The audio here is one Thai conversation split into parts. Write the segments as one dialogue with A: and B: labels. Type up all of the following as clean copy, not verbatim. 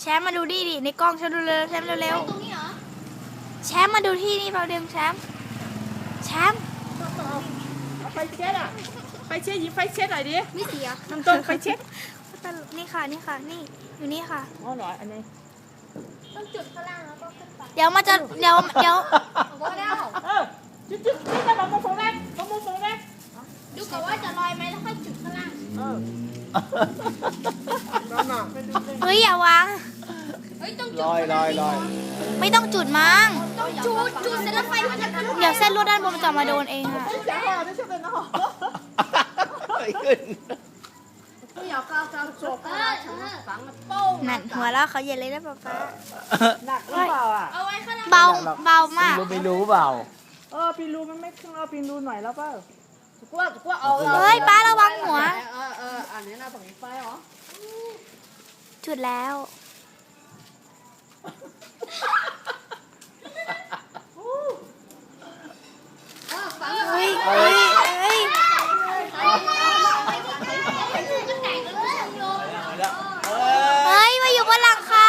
A: แชมป์มาดูดิในกล้องแชมป์เร็วๆแชมป์เร็ว
B: ตรงนี้เหรอ
A: ๆแชมป์มาดูที่นี่เราเดิมแชมป์แชมป์
C: เอาไฟเช็ดอ่ะไฟเช็ดหยิบไฟเช็ดหน่อยดิ
B: ไม่เสีย
C: น้ำต้มไฟเช็ด
A: นี่ค่ะนี่ค่ะนี่อยู่นี่ค่ะ
C: อ๋อเหรออันนี้
B: ต้องจุดข้างล่างแล้วก็ขึ้นไป
A: เดี๋ยวมาจะเดี๋ยว
B: โอ้แล้ว
C: จุดนี่จะบอกมาโฟแรกมาโฟแรก
B: ดูก่อนว่าจะลอยไหมแล้วค่อยจุดข้างล่าง
C: นั่นน่ะ
A: เฮ้ยอย่าวาง
B: เฮ้ยต้องจุด
D: ลอย
A: ไม่ต้องจุดมั้ง
B: ต้องจุดเสร็จแล้วไฟมันจะขึ้น
A: เดี๋ยวเส้นลวดด้านบนมันจะมาโดนเองค่ะ
C: จะห่อไม่ใช่เป็นห่อ
D: ขึ้น
C: ไม่อยากก้าวก้าวโจกฝังโป้ง
A: นั่นหัวเราะเขาเย็นเลยนะป๊าป๊า
C: หนักหรือเปล่าอ่ะ
B: เอาไว้ข้างล่าง
A: เบาเบามาก
D: ไม่รู้เปล่า
C: ปีรูมันไม่ขึ้นปีรูหน่อยแล้วเปล่ากูเอา
A: เฮ้ยป้าระวังหัว
C: อันนี้น่าสงสัยเหรอ
A: จุดแล้ว
B: ฝัง
A: เฮ้ยเฮ้ยเฮ้ย
B: ก็แตกแล้วเลยโยน
A: เฮ้ยมาอยู่บนหลังคา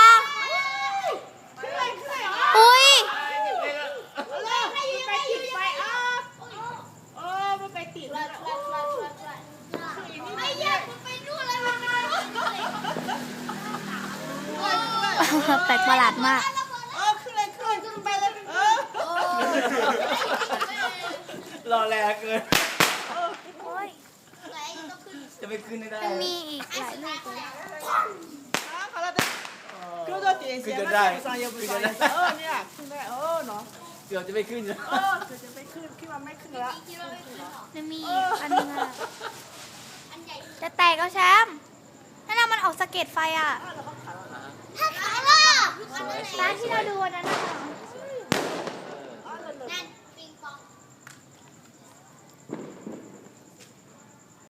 A: อุ้ย
C: ไปติด
B: ไอ้ยักษ์มันไปนู่นเลยมันมา
A: แปลกประหลาดมาก
C: ขึ้นไปเลย
D: รอแรงเกิน
A: โอ้ย
D: จะไม่ขึ้นได้
A: มันมีอีกหลายลูกเลย
C: คือตัวตีเสียงสายยบุษเนี่ยขึ้นได้เนาะ
D: เกือบจะไม่ขึ้น
C: คือจะไม่ขึ้นคิดว่าไม่ขึ้นแล้ว
A: มันมีอีกอันนึงอะจะแตกแล้วแชมป์นั่นน่ะมันออกสะเก็ดไฟอ่ะ
C: แล้วเขาขาย